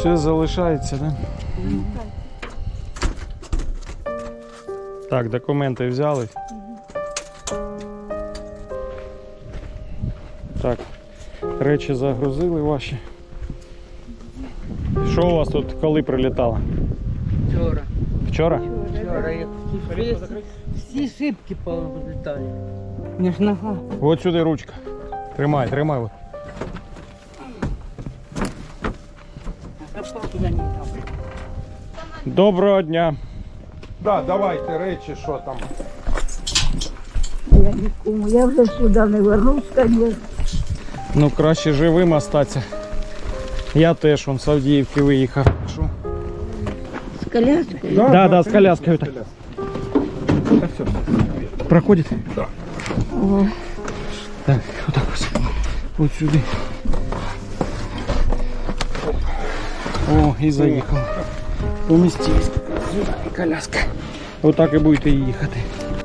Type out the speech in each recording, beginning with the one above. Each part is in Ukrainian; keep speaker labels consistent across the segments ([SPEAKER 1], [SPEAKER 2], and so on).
[SPEAKER 1] Все залишається, так? Так, документи взяли. Так, речі загрузили ваші. Що у вас тут коли прилітало?
[SPEAKER 2] Вчора.
[SPEAKER 1] Вчора?
[SPEAKER 2] Вчора як всі шибки повилітали. Не ж нога.
[SPEAKER 1] От сюди ручка. Тримай, тримай. От. Доброго дня.
[SPEAKER 3] Да, давайте речі, що там.
[SPEAKER 4] Я нікому, я вже сюди не вернусь, звісно.
[SPEAKER 1] Ну краще живим остатися. Я теж вон з Авдіївки виїхав. Що?
[SPEAKER 4] З коляскою?
[SPEAKER 1] Да, з коляскою. Так. Проходит?
[SPEAKER 3] Да.
[SPEAKER 4] О,
[SPEAKER 1] Так, вот так вот. Вот сюда. О, и заехал. Поместились. Сюда и коляска. Вот так и будете їхати.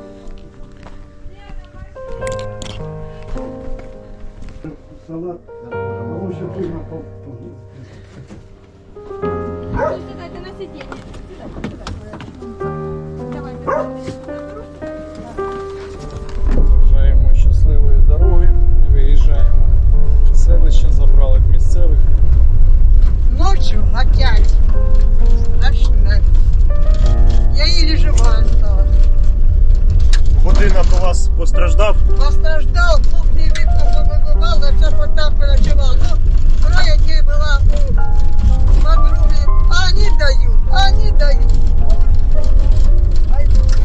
[SPEAKER 3] Салат. Тому що пильно
[SPEAKER 5] Сідайте на сидіння.
[SPEAKER 1] Бажаємо щасливої дороги. Виїжджаємо в селище, забрали місцевих.
[SPEAKER 4] ночью опять. Страшно. Я еле жива осталась.
[SPEAKER 6] Будинок у вас постраждав?
[SPEAKER 4] Постраждал, кухни вікна повибивали, це хоч там перечував. Ну, троє була у подруги. Они дают. Ай,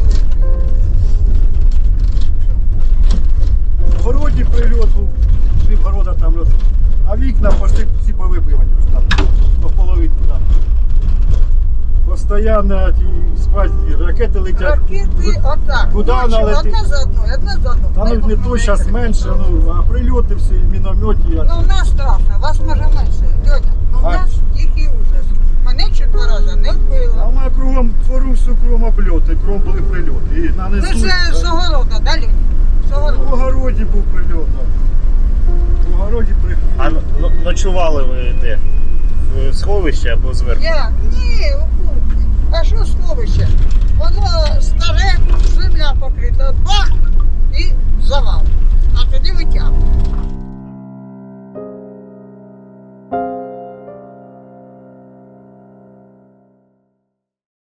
[SPEAKER 6] В городі прильот був, пів города там роз... А вікна пошли всі повибивані вже там, по половинку там. Постоянно ті спать, ракети летять.
[SPEAKER 4] ракети отак.
[SPEAKER 6] Куди
[SPEAKER 4] Ночью
[SPEAKER 6] вона летить?
[SPEAKER 4] одна за одну.
[SPEAKER 6] Та ну не то, зараз менше, ну, а прильоти всі, міномети.
[SPEAKER 4] Ну, у нас страшно, вас може менше. Льоня, ну у
[SPEAKER 6] А?
[SPEAKER 4] нас тихий ужас. Мене 4 рази не
[SPEAKER 6] А
[SPEAKER 4] вбило.
[SPEAKER 6] у мене кругом двору, всю кругом обльоти, кругом були прильоти. І
[SPEAKER 4] Це
[SPEAKER 6] нанесли.
[SPEAKER 4] ж з огорода, да, Льоня? З
[SPEAKER 6] В
[SPEAKER 4] огорода.
[SPEAKER 6] огороді був прильот, так. В огороді
[SPEAKER 7] А ночували ви де? В сховищі або зверху?
[SPEAKER 4] Ні, у кухні. А що сховище? Воно старе, земля покрита, бах, і завал. А тоді витягнув.